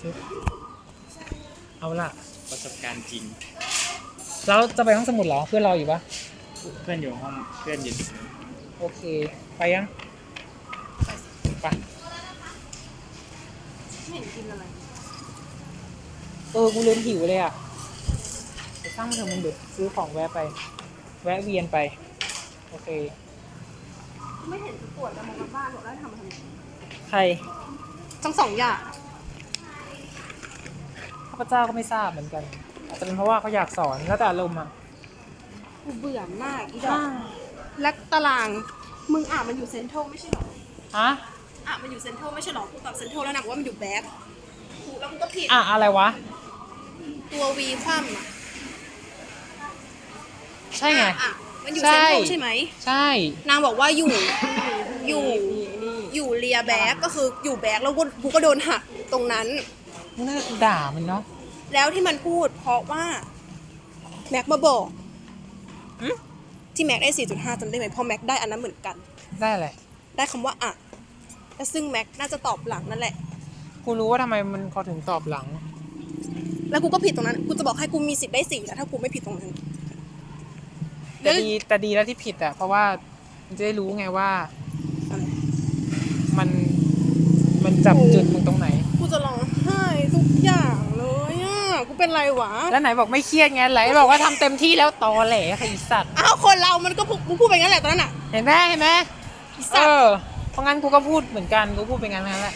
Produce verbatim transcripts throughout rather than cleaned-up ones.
ซิเอาล่ะประสบการณ์จริงเราจะไปห้องสมุดเหรอเพื่อนเราอยู่ปะเพื่อนอยู่ห้องเพื่อนอยู่โอเคไปยังไปไม่เห็นกินอะไรเออกูลืมหิวเลยอ่ะไปสร้างมันเถอะมึงเดี๋ยวซื้อของแวะไปแวะเวียนไปโอเคไม่เห็นจะปวดจะมองกันบ้านบอกได้ทำมาทำไมใครทั้งสองอย่างข้าพเจ้าก็ไม่ทราบเหมือนกันอาจจะเป็นเพราะว่าเขาอยากสอนแล้วแต่อารมณ์อ่ะกูเบื่อมากอีดอกและตารางมึงอ่านมันอยู่เซ็นทรัลไม่ใช่หรอฮะอ่ะมันอยู่เซ็นทรัลไม่ใช่หรอกูตอบเซ็นทรัลแล้วนะว่ามันอยู่แบ็คกูแล้วกูก็ผิดอ่ะอะไรวะตัววีคว่ำอ่ะใช่ไงอ่ะมันอยู่เซ็นทรัลใช่ไหมใช่นางบอกว่าอยู่อยู่อยู่เรียแบ็คก็คืออยู่แบ็คแล้วกูก็โดนหักตรงนั้นมึงน่าจะด่ามันเนาะแล้วที่มันพูดเพราะว่าแม็กมาบอกที่แม็กได้ สี่จุดห้า จำได้ไหมพอแม็กได้อันนั้นเหมือนกันได้อะไรได้คำว่าอ่ะและซึ่งแม็กน่าจะตอบหลังนั่นแหละกูรู้ว่าทำไมมันเขาถึงตอบหลังแล้วกูก็ผิดตรงนั้นกูจะบอกให้กูมีสิทธิ์ได้สี่แต่ถ้ากูไม่ผิดตรงนั้นแต่ดีแต่ดีแล้วที่ผิดอ่ะเพราะว่ามันจะได้รู้ไงว่ามันมันจับจุดมึงตรงไหนกูจะร้องไห้ทุกอย่างเลยอ่ะกูเป็นไรวะแล้วไหนบอกไม่เครียดไงไหนบอกว่าทำเต็มที่แล้วตอแหลไอ้สัตว์อ้าวคนเรามันก็มึงพูดไปงั้นแหละตอนนั้นอ่ะเห็นไหมเห็นไหมเออเพราะงั้นกูก็พูดเหมือนกันกูพูดไปงั้นนั่นแหละ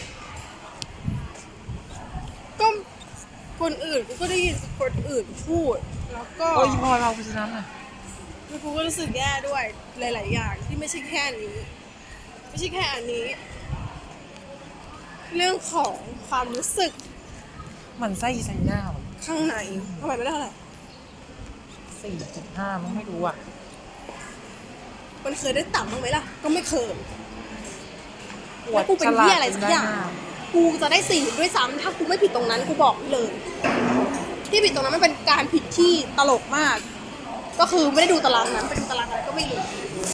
ก็คนอื่นกูก็ได้ยินคนอื่นพูดแล้วก็โอ้ยพอเราไปชนะน่ะแล้วกูก็รู้สึกแย่ด้วยหลายๆอย่างที่ไม่ใช่แค่นี้ไม่ใช่แค่อันนี้เรื่องของความรู้สึกมันไส้ใส่หน้าข้างในทำไมไม่ได้เท่าไหร่สี่จุดห้ามันไม่รู้อ่ะมันเคยได้ต่ำบ้างไหมล่ะก็ไม่เคยแล้วกูเป็นเหี้ยอะไรสักอย่างกูจะได้สี่ด้วยซ้ำถ้ากูไม่ผิดตรงนั้นกูบอกเลยที่ผิดตรงนั้นมันเป็นการผิดที่ตลกมากก็คือไม่ได้ดูตารางนั้นไปดูตารางอะไรก็ไม่รู้